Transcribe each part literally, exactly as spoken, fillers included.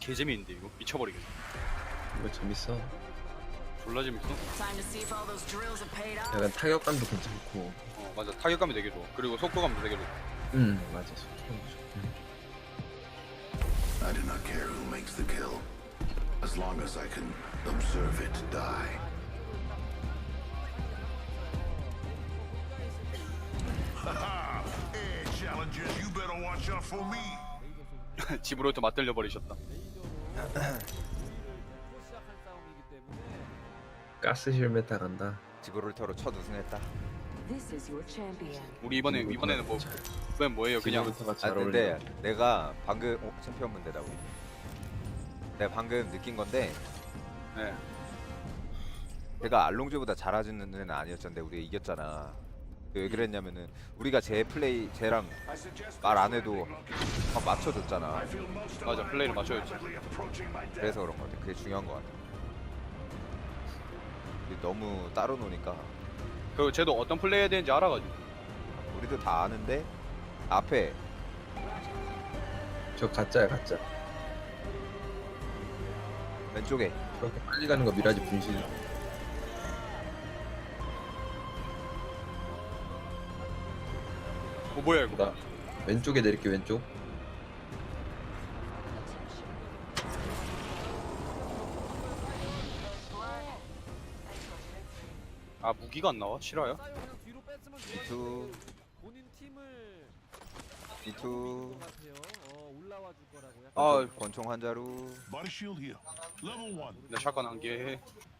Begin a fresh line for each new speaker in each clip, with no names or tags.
개재미인데 이거 미쳐버리겠네.
이거 재밌어.
졸라 재밌어.
약간 타격감도 괜찮고.
어 맞아, 타격감이 되게 좋아. 그리고 속도감도 되게 좋아.
음 맞아. 속도감도 좋고.
I do not care who makes the kill, as long as I can observe it die. Haha! Air challengers, you better watch out for me.
집으로부터 맞들려 버리셨다.
가스 헬멧 나간다.
지브롤터로 첫 우승했다.
This is your champion.
우리 이번에 이번에는 뭐 이번엔 뭐예요? 그냥
지금부터가
아
잘
근데
어울려.
내가 방금 어, 챔피언 문제다 우리. 내가 방금 느낀 건데
네.
내가 알롱즈보다 잘하는 애는 아니었잖아. 우리가 이겼잖아. 왜 그랬냐면은 우리가 제 플레이 쟤랑 말 안 해도 막 맞춰줬잖아.
맞아, 플레이를 맞춰야지.
그래서 그런 거 같아. 그게 중요한 거 같아. 근데 너무 따로 노니까
그리고 쟤도 어떤 플레이 해야 되는지 알아가지고.
우리도 다 아는데 앞에
저 가짜야 가짜.
왼쪽에
그렇게 빨리 가는 거 미라지 분신.
어 뭐야 이거?
나 왼쪽에 내릴게 왼쪽.
아 무기가 안 나와? 실화야?
비투
본인 팀을
비투
어, 올라와 줄 거라고 약간
아,
권총 환자루
Body shield here. Level one.
나 샷건 한 개.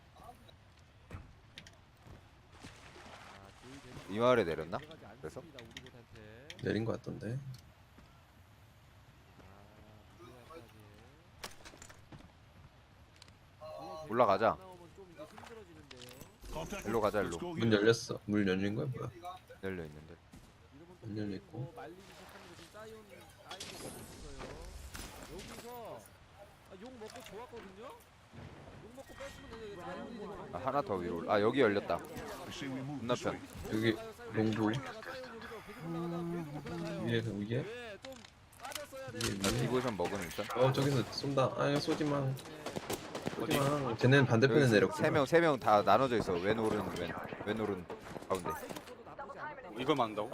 이 마을에 내렸나? 그래서
내린 거 같던데.
올라가자.
Contact.
일로 가자,
Let's
일로.
go
문
here.
열렸어. 문 열린 거야 뭐야?
열려 있는데.
문 열려 있고.
말리기 시작하면서 지금 사이온 사이온이 있어요. 여기서 아, 욕 먹고 좋았거든요. 욕 먹고 뺐으면 되게 사이온이 되는
아, 하나 더 위로. 올라- 아 여기 열렸다.
I say we move.
건너편.
여기 롱부 위에 위에
예, 좀 빠졌어야 돼.
위에
나
위에.
디보션 먹으면 일단.
어 저기서 쏜다. 아 쏘지 마. 쏘지 마. 쟤네는 반대편에 내렸고.
세명 세 명 다 나눠져 있어. 왼 오른 왼. 왼 오른 가운데.
이걸 만다고?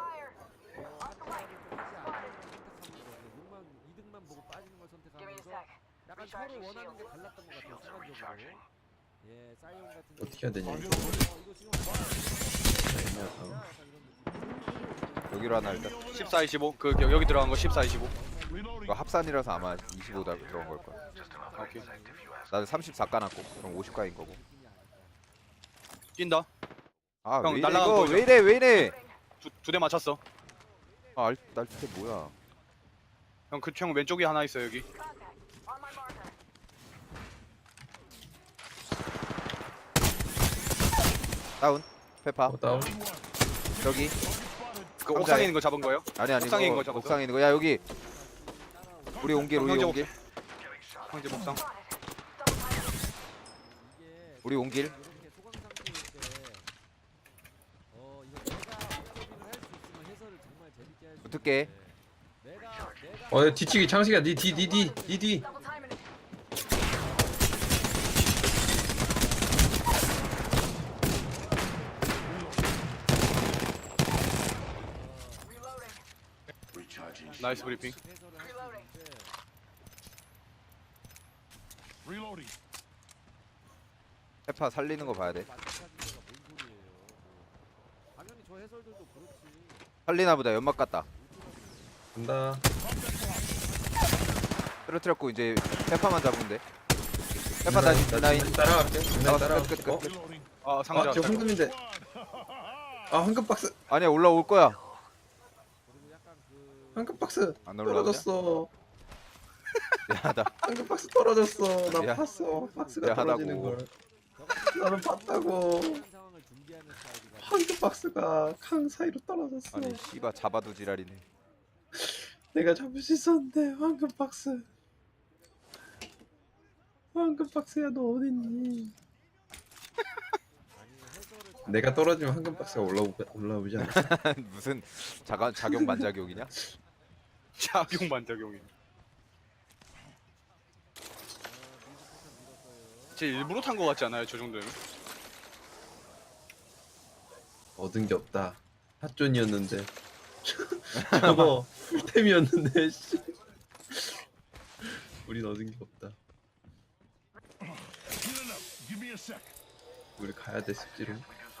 욕만 이득만 보고 빠지는 걸 선택하면서 약간 서로 원하는 게 달랐던 것 같아요. 순간적으로. 예, 사이온 같은
어떻게 해야 되냐.
어, 이거 지금
여기로 하나 일단.
십사 이십오. 그 여- 여기 들어간 거 십사 이십오.
Reloading.
이거 합산이라서 아마 이십오다 들어간 걸 거야.
오케이.
나는 삼십사 까놨고 그럼 오십 까인 거고.
뛴다.
아
형,
왜 이래
날라간
이거
거죠?
왜 이래 왜 이래?
두 대 맞췄어.
아 날치게 뭐야?
형 그 형 왼쪽에 하나 있어 여기.
다운. 페파.
어, 다운.
저기.
그
상자에.
옥상에 있는 거 잡은 거예요?
아니 아니
옥상에 있는 거
이거
잡았어?
옥상에 있는 거. 야 여기. 우리 온길 우리
형제
온길.
형제 목상.
우리 온길.
이렇게 소강 상태일 때 어, 이거 내가 업데이트를 할 수 있으면 해설을 정말 재밌게 할 수
붙을게.
있는데 내가 내가
어 뒤치기 창식이야. 니뒤니뒤니뒤
Recharging.
나이스 브리핑.
해설을 할 수 있는데
Reloading.
페파 살리는 거 봐야 돼.
마찬가지가 뭔 소리예요. 당연히 저 해설들도 그렇지.
살리나 보다. 연막 갔다.
간다.
떨어뜨렸고 이제 페파만 잡으면 돼. 페파 다시 나인.
따라갈게. 나
나왔어.
따라갈게.
끝, 끝,
어?
끝.
Reloading.
아 상자.
아저 황금인데. 아 황금 박스.
아니야 올라올 거야.
그리고 약간 그
황금 박스.
안 올라오냐?
떨어졌어.
미안하다.
황금 박스 떨어졌어. 나
미안.
봤어. 박스가
미안하다고.
떨어지는 걸. 나는 봤다고.
그런 상황을 준비하는 스타일이가
황금 박스가 강 사이로 떨어졌어.
아니 씨바 잡아도 지랄이네.
내가 잡을 수 있었는데 황금 박스. 황금 박스야 너 어딨니? 내가 떨어지면 황금 박스가 올라오 올라오지 않아?
무슨 자가 작용 반작용이냐?
작용 반작용이. 제 일부러 탄 거 같지 않아요? 저 정도면?
얻은 게 없다. 핫존이었는데. 저거 풀템이었는데. 씨. 우린 얻은 게 없다. 우리 가야 돼 습지로.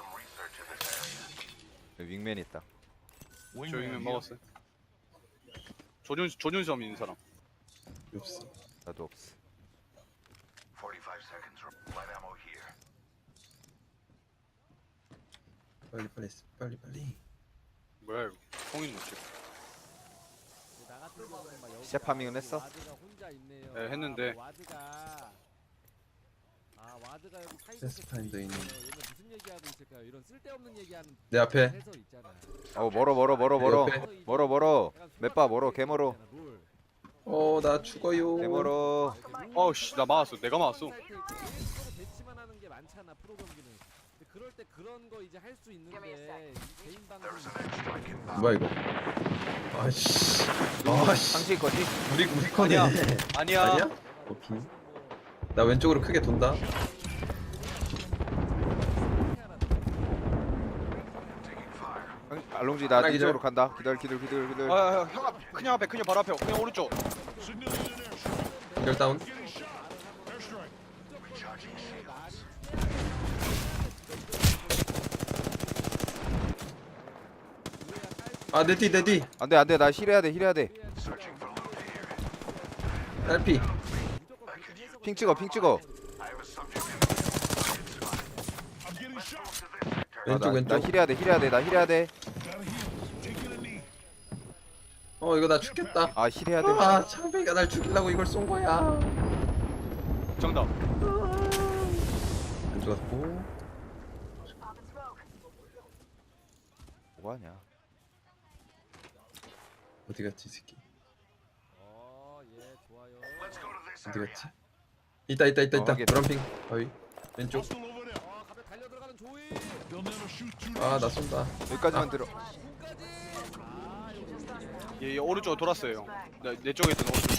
윙맨 있다.
저기면 먹었어요. 조준 조준섬 있는 사람.
없어.
나도 없어.
forty-five seconds. Light ammo here.
빨리 빨리 빨리 빨리.
뭐야 이거? 성인 놓치.
나 같은 경우는 막 여기
시작 파밍은 했어?
와드가 혼자 있네요.
네, 했는데.
아, 와드가 아 와드가 여기 사이드
패스파인더 있는.
얘는 무슨 얘기하고 있을까요? 이런 쓸데없는 얘기하는
내 앞에.
해설 있잖아.
어 멀어 멀어 멀어 멀어
옆에.
멀어 멀어. 맷바 멀어 개 멀어
롤.
어 나 죽어요.
개 멀어.
어우씨 나 맞았어. 내가 맞았어.
사이트에 서로 대치만 하는 게 많잖아 프로 경기는. 근데 그럴 때 그런 거 이제 할 수 있는데 이 개인 방송
뭐야 이거? 아씨. 아씨.
상식 거지?
우리 우리 거네.
아니야. 아니야.
아니야? 오케이. 나 왼쪽으로 크게 돈다.
형, 알롱지 나
하나
이쪽으로
기절.
간다. 기다려 기다려 기다려 기다려.
아, 형 앞, 그냥 앞에, 그냥 바로 앞에, 그냥 오른쪽.
열 다운. 아 내뒤 내뒤
안돼 안돼 나 힐해야 돼 힐해야 돼.
딸피.
핑 찍어 핑 찍어. 아,
왼쪽
나,
왼쪽.
나 힐해야 돼 힐해야 돼 나 힐해야 돼.
어 이거 나 죽겠다.
아 힐해야 돼.
아 창배가 날 죽이려고 이걸 쏜 거야.
정답.
안 죽었고.
뭐하냐?
어디 갔지 이 새끼?
어예 좋아요.
어디 갔지? 있다 있다 있다
어,
있다.
확인.
브람핑 바위 왼쪽.
어 가면 달려 들어가는 조이.
아 나 쏜다.
여기까지만 들어.
얘, 얘 오른쪽으로 돌았어요. 형. 내, 내 쪽에 있던 오른쪽.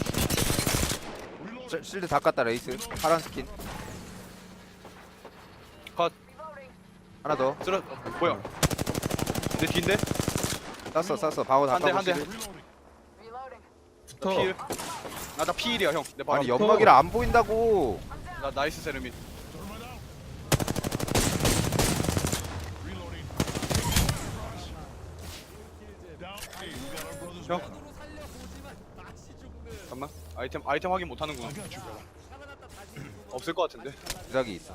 실- 실드 다 깠다 레이스. 파란 스킨.
컷.
하나 더.
쓰러. 뭐야? 내 뒤인데?
쐈어 쐈어. 방어 다
한 대,
까고
한 대.
실드.
붙어.
필. 나나 피일이야 형. 내 바로.
아니
앞에.
연막이라 안 보인다고.
나 나이스 세르민. 형. 잠깐만. 아이템 아이템 확인 못 하는구나. 없을 것 같은데.
주작이 있어.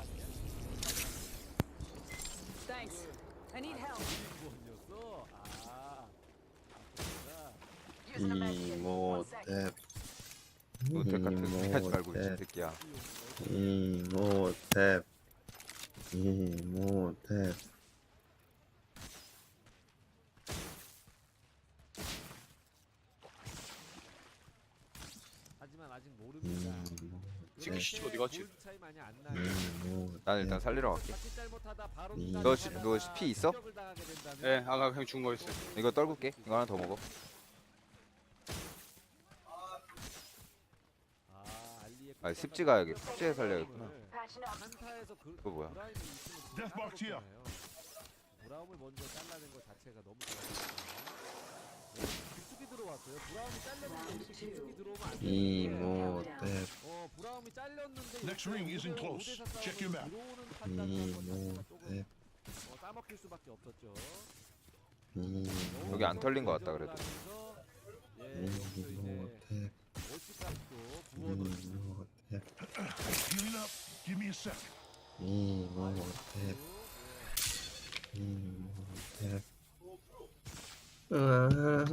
Thanks. I need help.
이모탭.
노텍 같은 소리 하지 말고 이
이모탭.
새끼야.
이모탭. 이모탭.
하지만 아직 모릅니다.
지금 씨 어디 갔지?
골드 차이 많이 안 나요.
이모탭.
난 일단 살리러 갈게.
자칫 잘못하다 바로
음.
누가
너 시-
나가다가
너 시- 피 있어?
공격을 당하게 된다면
예, 네, 아까 그냥 죽은 거 있어요.
이거 떨굴게. 이거 하나 더 먹어.
아, 알리의
아 습지 가야겠. 습지에 살려야겠구나.
한타에서 그
그거 뭐야?
브라움이 있으면 상관없잖아요. 브라움을 먼저 잘라낸 것 자체가 너무 좋았어요. 깊숙이 들어왔어요. 브라움이 잘렸는데 이렇게 깊숙이 들어오면 안 돼요.
이모탭.
어, 브라움이 잘렸는데
Next ring isn't close. Check your map.
들어오는 판단을 한번 자체가 조금
이모탭.
어, 따먹힐 수밖에 없었죠.
이모탭.
여기 안 털린 것 같다 그래도.
예, 여기서 이제
이모탭.
월드컵도 부어도
이모탭.
Healing up. Give me a sec.
이모탭. 이모탭. 아,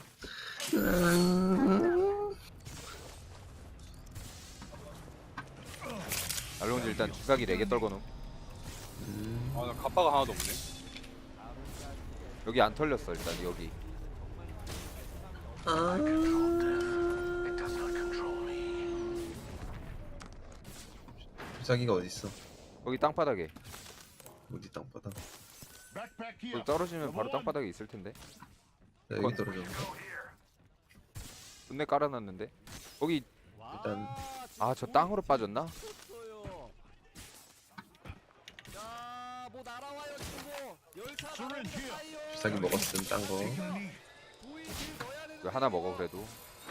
알롱지 일단 주사기 네 개 떨궈놓음.
아, 나 갑바가 하나도 없네.
여기 안 털렸어 일단 여기.
아.
It does not control me.
자기가 어디 있어?
거기 땅바닥에.
어디 땅바닥?
Backpack here.
거기 떨어지면 바로 땅바닥에 있을 텐데.
나 여기 떨어졌네.
분내 깔아놨는데. 거기
일단
아 저 땅으로 빠졌나?
쳤어요. 열차
Syringe here.
사이요.
주사기 먹었음 딴 거.
Taking a knee.
조이 길 넣어야 되는데.
이거 하나 먹어 그래도.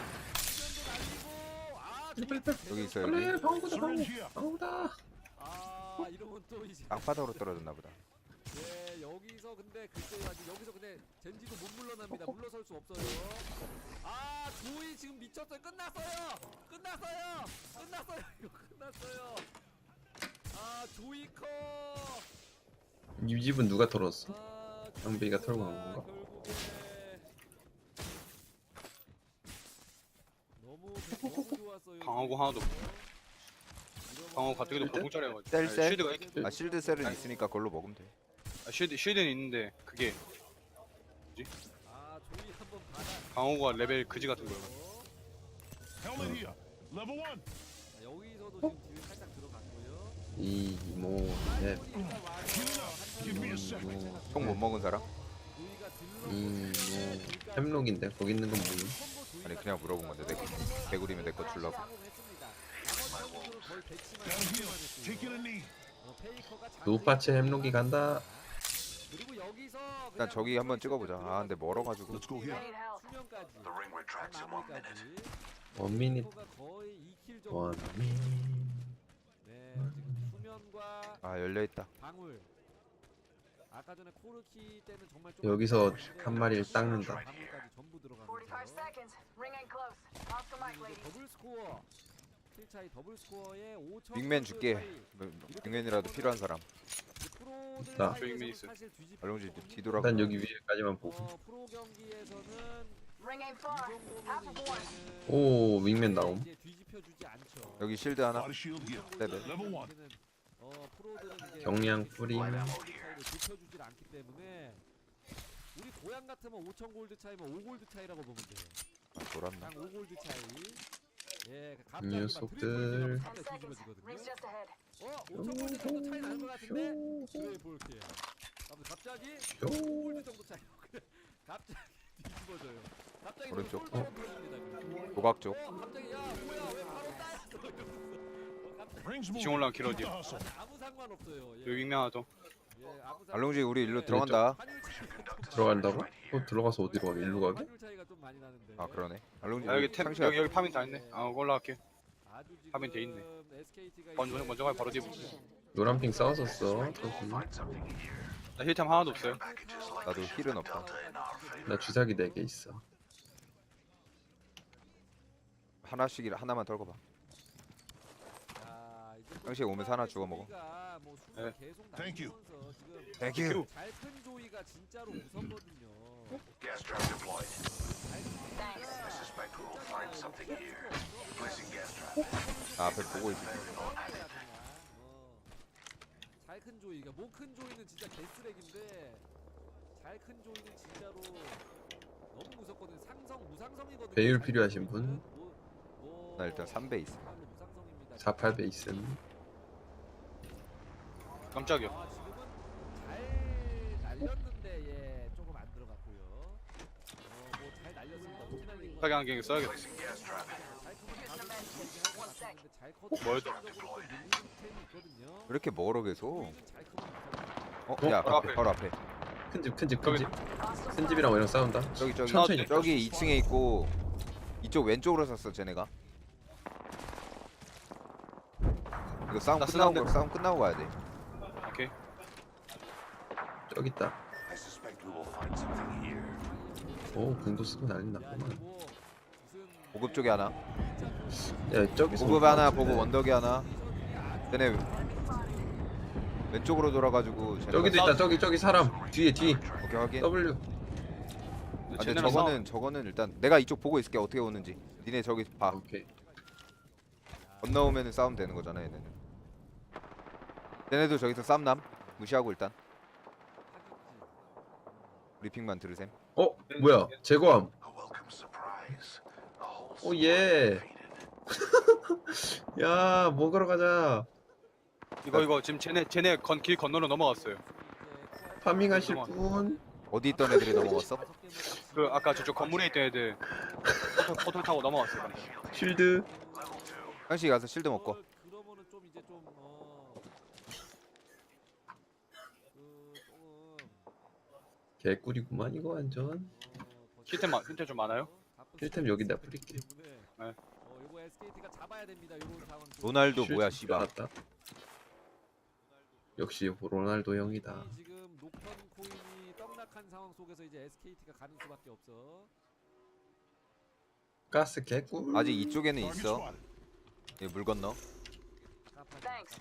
수면도 날리고. 아, 조이
여기 있어
빨리
여기.
방어구다 방어.
Syringe here.
방어구다.
아, 이러면 또 이제
땅바닥으로 떨어졌나 보다.
예, 여기서 근데 글쎄요 아직 여기서 근데 젠지도 못 물러납니다. 물러설 수 없어요. 아, 조이 지금 미쳤어요. 끝났어요. 끝났어요. 끝났어요. 이거 끝났어요. 아, 조이커.
이 집은 누가 털었어?
아,
장비가
조이커가
털고 간 건가?
결국에 너무 너무 좋았어요.
방어구 하나도 없고. 방어 가뜩이도
실드?
보통짜리여가지고.
셀,
아니,
셀?
쉴드가 있-
아 실드 셀은 있으니까 그걸로 먹으면 돼.
아, 쉴드 쉴드는 있는데 그게
아, 조이 한번 받아.
방어구가 레벨 그지 같은 거예요.
Helmet here. Level one.
자, 여기서도 지금 딜 살짝 들어갔고요.
이, 모, 넷,
Give me a sec.
총 못 먹은 사람?
조이가 딜러
이, 모. 햄록인데 거기 있는 건 뭐임?
아니 그냥 물어본 건데 내 개구리면 내 거 주려고.
Down here. Taking a knee.
노파체 햄록이 간다.
그리고 여기서
일단 저기 한번 찍어보자. 아 근데 멀어가지고.
Let's go here.
I need help.
수면까지
The ring retracts in one minute.
원미닛
가 거의 이 킬 정도.
원미.
네, 지금 수면과
아 열려 있다.
방울. 아까 전에 코르키 때는 정말 좀
여기서
아팠는데
한 마리를 닦는다.
방울까지 전부
forty-five
들어가면서
seconds. Ring ain't close. Off the mic,
이제
ladies.
더블 스코어. 킬 차이 더블 스코어에 오천.
빅맨 줄게. 빅맨이라도 필요한 사람.
나.
빅맨 있어요.
알롱지 뒤돌아가.
일단 여기 위에까지만 보고.
어, 프로 경기에서는
Ring ain't
이
far. Half of
정도면
one.
이제는
오, 윙맨 나옴.
이제 뒤집혀 주지 않죠.
여기 실드 하나.
Body shield here.
네네.
Level one.
어, 프로들은 이제
경량 뿌림.
차이를 좁혀주질 않기 때문에 우리 고향 같으면 오천 골드 차이면 오 골드 차이라고 보면 돼요.
아, 돌았나?
딱 오 골드 차이. 예, 갑자기
이
막
녀석들.
트리플
Ten
상대
seconds.
뒤집어지거든요.
Ring's just ahead.
어, 오천 골드 정도 차이 나는 것 같은데? 그래 볼게요. 아무튼 갑자기 오 골드 정도 차이. 갑자기 뒤집어져요. 갑자기
오른쪽.
솔바로 들어갑니다.
조각 쪽.
어, 갑자기 야 뭐야 왜 바로 따였어 이러면서. 어, 갑자기
Rings
지금
moving.
올라온
Keep the
길어디요.
hustle.
아무 상관없어요. 예.
여기 윙면 하나 더.
예, 아무 상관-
알롱지 우리 일로 들어간다.
환율 차이가 좀
들어간다고? 어, 들어가서 어디로 가? 일로 가게?
환율 차이가 좀 많이 나는데.
아 그러네. 알롱지
아, 여기 템
상시야.
여기 여기 파밍 다 했네. 아 올라갈게.
아주 지금
화면 돼 있네.
에스케이티가
먼저
이제
먼저 가면 바로 뒤에 붙어.
노란핑 싸웠었어. 저기.
나 힐템 하나도 없어요.
나도 힐은 없다.
나 주사기 네 개 있어.
하나씩 하나만 털고 봐.
자, 이제 또
형식 오면서 하나 주워 먹어.
조이가 뭐 수가
네.
계속
Thank you.
날리면서 지금
땡큐.
잘큰 조이가 진짜로 무섭거든요.
Gas trap deployed.
Thanks.
I suspect we will find something here. Placing gas trap.
아, 앞에 보고 있어.
잘 큰 조이가 뭐 큰 조이는 진짜 개쓰레기인데 잘 큰 조이는 진짜로 너무 무섭거든요. 상성 무상성이거든요.
배율 필요하신 분?
뭐, 뭐
나 일단 삼 배 있어.
정말로 무상성입니다.
사, 팔 배 있음.
깜짝이야.
아, 지금은 잘 날렸는데 예 조금 안 들어갔고요. 어뭐 잘 날렸습니다. 어떻게 날린
사기 안경 써야겠다.
Gas trap.
잘 커도
뭐였-
전적으로 좀 밀리는 템이 있거든요.
왜 이렇게 멀어 계속?
조이는 잘 커도 무서워요.
어?
어?
야
바로
앞에
앞에.
바로 앞에.
큰 집, 큰 집, 큰 집.
Hostile
큰 집이랑 이랑 싸운다.
저기 저기
천천히.
저기 이 층에 있고 이쪽 왼쪽으로 섰어 쟤네가. 이거 싸움
나
끝나고
쓰는데.
싸움 끝나고 가야 돼.
오케이.
저기 있다.
I suspect we will find something here.
오, 궁도 쓰고 난리
야,
났구만.
이거 뭐 무슨
보급 쪽에 하나.
야, 저기서
보급
올
하나
것
보급
같은데.
언덕에 하나. 쟤네 왼쪽으로 돌아가지고 쟤네가
저기도 있다. 저기, 저기 사람. 뒤에, 뒤.
오케이 확인.
W.
아, 근데
쟤네랑
저거는 저거는 일단 내가 이쪽 보고 있을게 어떻게 오는지. 니네 저기 봐.
오케이.
건너오면은 싸움 되는 거잖아 얘네는. 얘네도 저기서 싸움남 무시하고 일단 브리핑만 들으셈.
어, 뭐야? 제거함.
A welcome surprise. The whole
오, 예.
faded.
야, 먹으러 가자.
이거 이거 지금 쟤네 쟤네 건 길 건너로 넘어갔어요.
파밍하실 분?
어디 있던 애들이 넘어갔어?
그 아까 저쪽 건물에 있던 애들 포털, 포털 타고 넘어갔어요.
쉴드?
한시 가서 실드 먹고.
그러면은 좀 이제 좀 어. 그 조금
개꿀이구만 이거 완전.
힐템 많- 힐템 좀 많아요?
힐템 여기다 뿌릴게.
때문에
네.
어, 요거 에스케이티가 잡아야 됩니다. 요런 상황.
로날도 뭐야
쉴
씨발.
줄 알았다. 역시 로날도 형이다.
지금 녹턴 코인이 떡락한 상황 속에서 이제 에스케이티가 가는 수밖에 없어.
가스 개꿀.
아직 이쪽에는
Target
있어.
spotted.
얘 물 건너.
Thanks.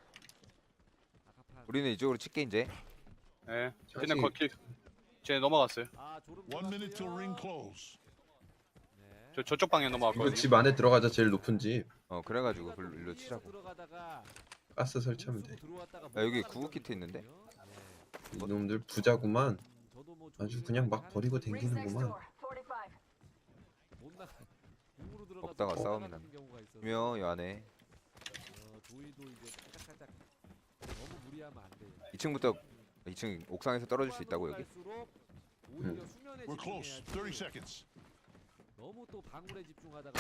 우리는 이쪽으로 칠게 이제.
예.
사실-
쟤네 거기 쟤네 넘어갔어요.
아, 졸음
One minute till
들어왔고요.
ring close.
네.
저 저쪽 방에
이거
넘어갔거든요.
집 안에 들어가자. 제일 높은 집.
어 그래가지고
우리가 또
글로 일로
위에서
치자고.
들어가다가
가스 설치하면 돼.
공수로 들어왔다가
야, 여기
못
구급 키트
나가는
있는데?
거거든요. 네.
이놈들 부자구만.
음, 저도 뭐
아주
조심을
그냥 막
많이
버리고
하는데
Rings next
댕기는구만.
door. forty-five.
못 나가. 공으로 들어가서
먹다가
못
싸움이
나가는 경우가 있어서.
며 요 안에
어, 조이도 이제 살짝살짝 너무 무리하면 안 돼요.
이 층부터 이 층 옥상에서 떨어질 수 있다고 여기.
갈수록 오히려
음.
수면에
We're close.
집중해야지.
thirty seconds.
너무 또 방울에 집중하다가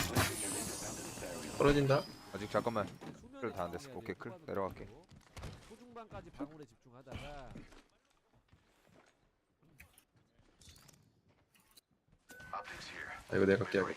떨어진다.
아직 잠깐만.
수면에
클 다 안 됐어.
집중해야
오케이,
돼요,
클
초반으로
내려갈게.
갈수록. 초중반까지 방울에 집중하다가
Optics here.
아, 이거 내가 깨야겠다.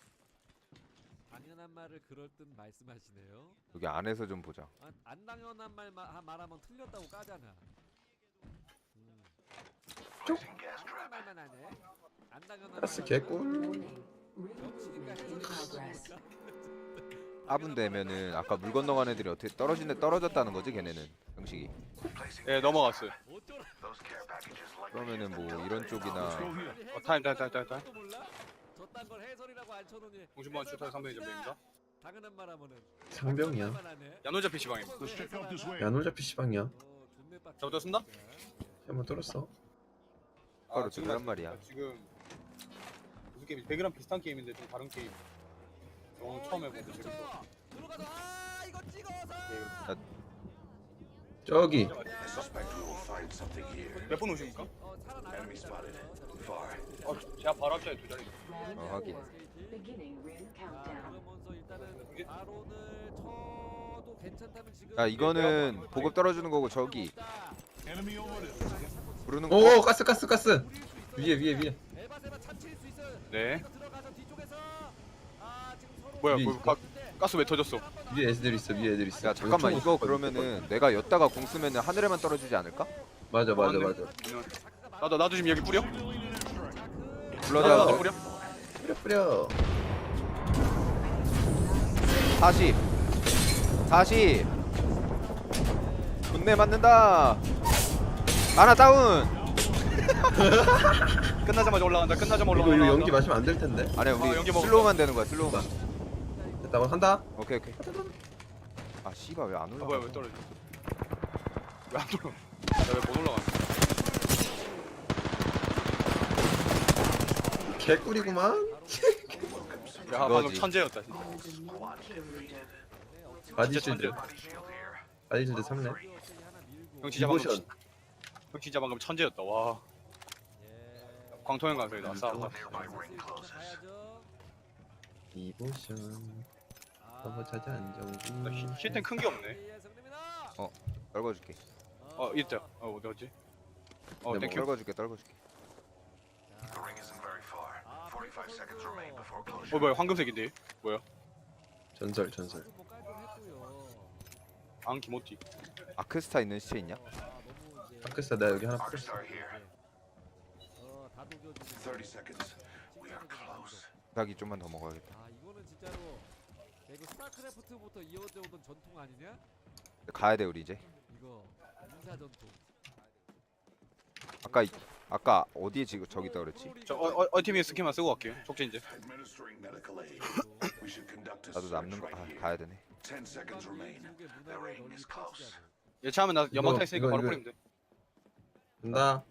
당연한 말을 그럴 듯 말씀하시네요.
여기 안에서 좀 보자.
안, 안 당연한 말 마- 말하면 틀렸다고 까잖아. 음.
Placing gas trap.
말만 하네. 안 당연한
가스
말
개꿀.
정치니까 해설이 나오니까.
화분 되면은 아까 물 건너간 애들이 어떻게 떨어진데 떨어졌다는 거지 걔네는 형식이.
Placing
예, 넘어갔어요.
어쩌라.
those care packages like
그러면은 뭐 이런 쪽이나
Let's go here.
어, 타임, 타임, 타임, 타임, 타임.
또 몰라? 저딴 걸 해설이라고 안 쳐놓니?
공신보안 출타 상병이 점입니다.
당연한 말 하면은.
상병이야.
말만 하네.
야노자 피시방입니다.
Let's check out this way.
야놀자 피시방이야.
어, 존내 빡-
잡아줬습니다.
한번 뚫었어.
바로 들어란 말이야.
지금 무슨 게임? 배그랑 비슷한 게임인데 좀 다른 게임. 오늘 처음 해보고 재밌어.
들어가서 아 이거 찍어서.
예,
저기.
I suspect we will find something here.
몇분 오십니까?
어 살아나가.
Enemy spotted. Far.
어, 제가 바로 앞자리 두 자리.
어 확인.
Beginning ring countdown.
그러면서 일단은 바론을 쳐도 괜찮다면 지금.
야 이거는 보급 떨어지는 거고 저기
Enemy over there.
부르는 거.
오 가스 가스 가스. 위에 위에 위에.
에바세바 참칠 수 있어요.
네.
이거 들어가서 뒤쪽에서 아 지금 서로
뭐야,
위에
뭐
있어?
가, 가스 왜 터졌어?
위에 애들 있어. 위에 애들 있어.
야 잠깐만
총
이거
없거든.
그러면은 내가 였다가 공 쓰면은 하늘에만 떨어지지 않을까?
맞아 맞아
맞네.
맞아.
나도 나도 지금 여기 뿌려?
불러자.
나도 뿌려?
뿌려 뿌려.
사십 사십 분내 맞는다. 하나 다운.
끝나자마자 올라간다. 끝나자마자
이거
올라간다.
이거 연기 마시면 안 될 텐데.
아니야
아,
우리
연기 먹었다.
슬로우만 되는 거야 슬로우만.
됐다 뭐 한다.
오케이 오케이. 아 씨발 왜 안
아,
올라가?
뭐야 왜 떨어져? 왜 안 올라? 나왜못 올라가는?
개꿀이구만.
야 방금
이거지.
천재였다. 진짜.
바디
진짜
실드. 바디 실드 삼 렙.
형 진짜 방금
디보션.
형 진짜 방금 천재였다. 와. 광통형 강사이다. 싸.
디보션. 너무 찾아 안정구.
힐템 큰 게 없네.
떨궈줄게.
어 있다. 어 어디 갔지? 어
네,
땡큐.
떨궈줄게 떨궈줄게.
The ring isn't very far. forty-five seconds remain before closure.
어 뭐야 황금색인데? 뭐야?
전설 전설.
앙 기모티.
아크스타 있는 시체 있냐?
아크스타 나 여기 하나 뿌렸어.
Star here. thirty seconds. We are close.
닭이 좀만 더 먹어야겠다.
아 이거는 진짜로 야, 이거 스타크래프트부터 이어져 오던 전통 아니냐?
가야 돼 우리 이제.
이거 인사 전통.
아까 이- 아까 어디에 지금 저기 있다 그랬지?
저어 어, 팀이 스킨만 쓰고 갈게요. 촉진제.
Administering medical aid. We should conduct a
나도
search
남는 거
right
아,
here.
가야 되네.
Ten seconds remain. The ring is close.
예차하면 나 연막 타 있으니까
이거,
바로
이거.
뿌리면 돼.
간다.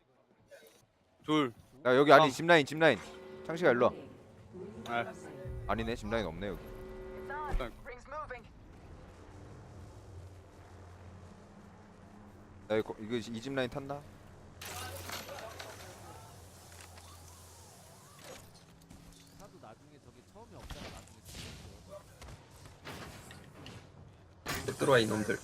둘.
야 여기 아니
아.
짚라인 짚라인. 창식아 일로 와.
아,
아니네 짚라인 없네 여기.
It's on. Ring's moving.
야 이거 이거 이 짚라인 탔나?
차도 나중에 저기 처음에 없다가 나중에 생겼어.
들어와 이놈들.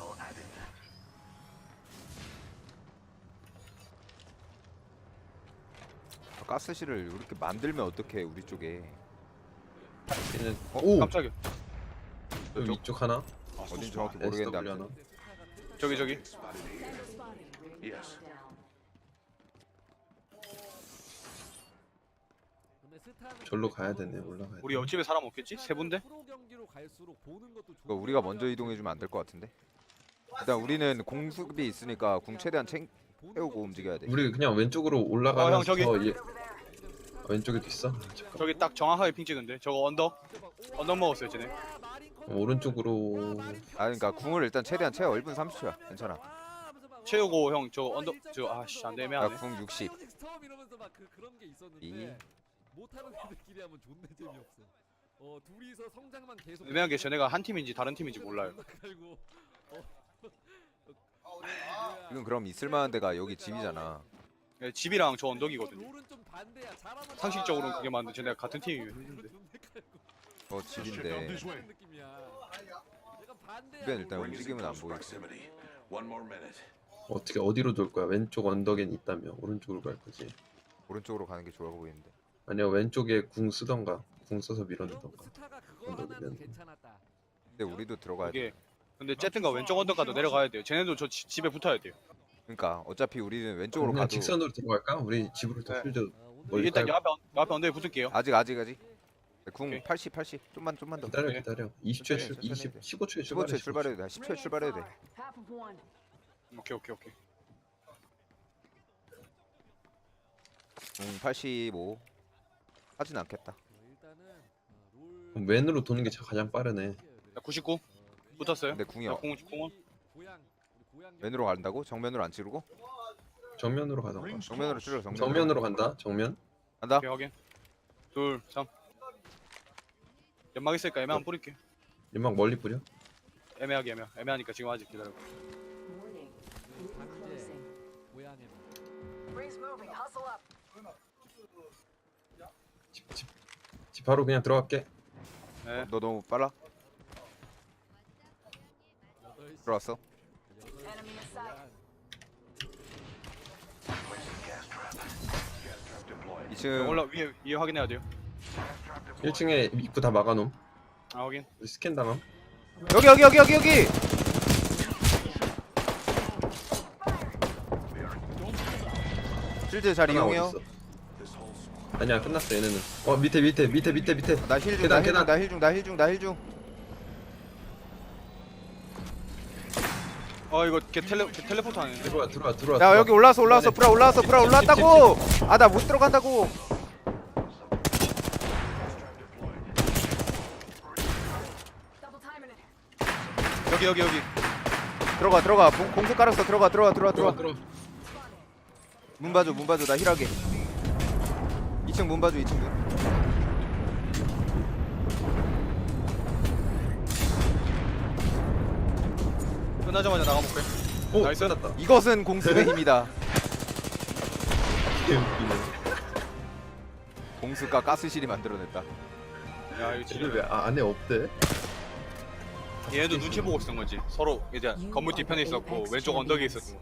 가스실을 이렇게 만들면 어떡해 우리 쪽에.
얘는
어,
오
깜짝이야.
또 위쪽 하나.
아,
어딘지 정확히 모르겠는데
에스더블유
아무튼.
하나.
저기 저기.
Yes.
근데 스타는
절로 가야 되네. 올라가야 돼.
우리 옆집에 사람 없겠지? 세 분데?
프로 경기로 갈수록 보는 것도
그거 우리가 먼저 이동해주면 안 될 것 같은데. 일단 우리는 공수비 있으니까 궁 최대한 챙 세우고 움직여야 돼.
우리 그냥 왼쪽으로
어,
올라가서
형, 저기.
얘... 왼쪽에도 있어. 잠깐.
저기 딱 정확하게 핑 찍은데. 저거 언덕. 언덕 먹었어요 쟤네.
어, 오른쪽으로
아 그러니까 궁을 일단 최대한 채워. 일 분 삼십 초야. 괜찮아.
채우고 형 저 언덕 저 아씨 안 되면
나궁 육십.
처음 이러면서 막 그, 그런 게 있었는데
이.
못하는 애들끼리 하면 존나 재미없어. 어 둘이서 성장만 계속.
애매한 게 쟤네가 한 팀인지 다른 팀인지 몰라요.
갈고, 어.
지금 그럼 있을만한 데가 여기 집이잖아.
예, 집이랑 저 언덕이거든요.
롤은 좀 반대야. 잘하면
상식적으로는 그게 맞는데 쟤네가 같은 팀이면 힘든데.
어
Let's check out
집인데.
this way.
느낌이야. 약간 반대야.
주변 일단
Ring is in
움직임은 안
close
보이고.
proximity. One more minute.
어떻게 어디로 돌 거야? 왼쪽 언덕엔 있다며 오른쪽으로 갈 거지.
오른쪽으로 가는 게 좋아 보이는데.
아니야 왼쪽에 궁 쓰던가 궁 써서
그럼
밀어내던가.
스타가 그거
언덕이면.
하나는 괜찮았다.
근데 우리도 들어가야 돼.
이게 근데 쨌든가 왼쪽 언덕 가도 내려가야 돼요. 쟤네도 저 지- 집에 붙어야 돼요.
그러니까 어차피 우리는 왼쪽으로
그냥
가도
직선으로 들어갈까? 우리 집으로 더
네.
풀죠.
어, 오늘
멀리
일단
깔고.
요 앞에 언- 요 앞에 언덕에 붙을게요.
아직 아직 아직. 궁
오케이.
팔십 팔십. 좀만 좀만 더.
기다려
네.
기다려. 이십 초에 출,
천천히,
이십,
천천히.
십오 초에
십오
출발해.
초에 출발해도 돼. 십 초에 출발해도 돼.
Half of one.
오케이 오케이 오케이.
궁 팔십오. 하진 않겠다.
어, 일단은 어, 롤
그럼 왼으로 도는 게 가장 빠르네.
나 구십구 붙었어요.
근데 궁이
나
어,
공 공은
고향 우리 고향
왼으로 간다고? 정면으로 안 찌르고?
정면으로 가던가.
Rings
정면으로
close.
찌르. 정면으로.
정면으로 간다. 정면.
간다.
오케이 확인. 둘 삼. 연막 있으니까 애매한 뿌릴게.
연막 멀리 뿌려.
애매하게 애매. 애매하니까 지금 아직 기다려.
Warning.
강제
Closing.
고향에
Rings moving. Hustle up.
집, 집, 집 바로 그냥 들어갈게.
네.
너 너무 빨라? 들어왔어.
Enemy in sight.
이 층
올라 위에 위에 확인해야 돼요.
일 층에 입구 다 막아놓음.
아 확인.
우리 스캔 당함.
여기 여기 여기 여기 여기. 실드 잘
하나
이용해요.
어딨어? 아니야 끝났어 얘네는. 어 밑에 밑에 밑에 밑에 밑에.
나 힐 중,
계단,
나 힐 중,
계단.
나 힐 중, 나 힐 중, 나 힐 중.
어 이거 걔 텔레 걔 텔레포트 하는데.
들어와 들어와 들어와.
야
들어와.
여기 올라왔어, 올라왔어, 브라 올라왔어, 브라 올라왔다고. 아 나 못 들어간다고.
Double timing it.
여기 여기 여기.
들어가, 들어가. 공, 공수 깔았어. 들어가, 들어가, 들어와,
들어와
들어와.
들어와.
문 봐줘, 문 봐줘. 나 힐하게. 이 층 문 봐줘, 이 층 문.
끝나자마자 나가볼게.
오
나이스.
끝났다.
이것은 공수의 힘이다.
개웃기네.
공수가 가스실이 만들어냈다.
야 이거
쟤네
진짜.
왜 아, 안에 없대?
얘도 눈치 보고 있었던 거지. 서로 이제 건물 뒤편에 있었고 왼쪽 언덕에 있었고.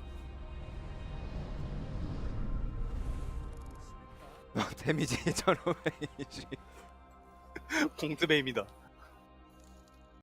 데미지 천오백이십.
공트베입니다.